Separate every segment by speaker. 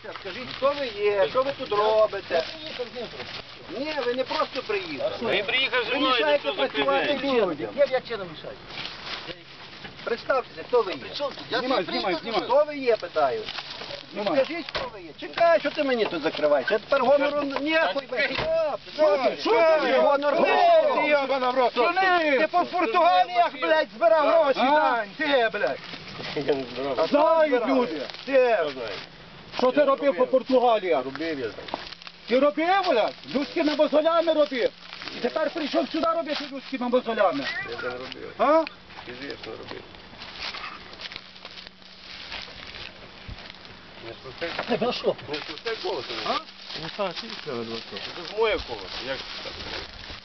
Speaker 1: Скажіть, хто ви є, що ви тут робите? Ні, ви не просто приїхали.
Speaker 2: Він приїхав зі
Speaker 1: Ви
Speaker 2: мною,
Speaker 1: мішаєте
Speaker 2: ніхто
Speaker 1: працювати
Speaker 2: закриває.
Speaker 1: людям.
Speaker 3: Я чином мішаю.
Speaker 1: Представтеся, хто ви є?
Speaker 3: Знімай.
Speaker 1: Хто ви є, питаю. Ну скажіть, хто ви є. Чекай, що ти мені тут закриваєш? Я тепер гонору ніякий. Що ти? Гонор ти по Португаліях, блядь, збирав гроші, Дань. Ти, блядь.
Speaker 4: Знають люди.
Speaker 1: Ти.
Speaker 4: Що ти робив по Португалії?
Speaker 2: Робив я.
Speaker 4: Ти робив, блядь? Людськими мозолями робив. І тепер прийшов сюди робити людськими мозолями.
Speaker 2: Я це не робив.
Speaker 4: А?
Speaker 2: Звісно, робив. Не спустай.
Speaker 3: Ну що?
Speaker 2: Не спустай колесо.
Speaker 3: А?
Speaker 2: Ну так, це ж моє колесо. Як це так?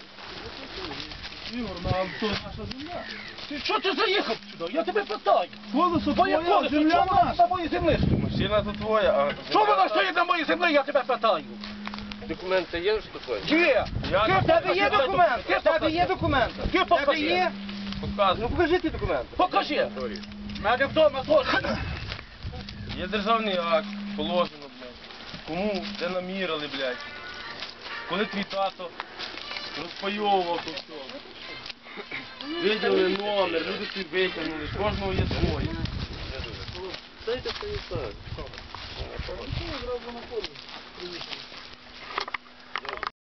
Speaker 4: Ігор, ну а то наша земля.
Speaker 3: Ти що ти заїхав сюди? Я тебе питаю.
Speaker 4: Колесо
Speaker 3: Твоє
Speaker 4: твоя,
Speaker 3: колесо,
Speaker 4: земля
Speaker 3: чого воно
Speaker 4: наша.
Speaker 3: на моїй землі?
Speaker 2: Машина то твоя, а...
Speaker 3: Що воно стоїть на моїй землі, я тебе питаю?
Speaker 2: Документи є, що таке?
Speaker 3: Є.
Speaker 2: Я
Speaker 1: В тебе є документи? В тебе є документи?
Speaker 3: Ти
Speaker 1: В тебе
Speaker 3: покажи.
Speaker 1: є?
Speaker 2: Показую.
Speaker 1: Ну покажи ті документи.
Speaker 3: Покажи. В мене вдома теж.
Speaker 2: Є державний акт, положено, блядь. Кому, де намірили, блядь. Коли твій тато розпайовував то все. Виділи номер, люди тобі витягнули, з кожного є своє. Дайте Станіслав.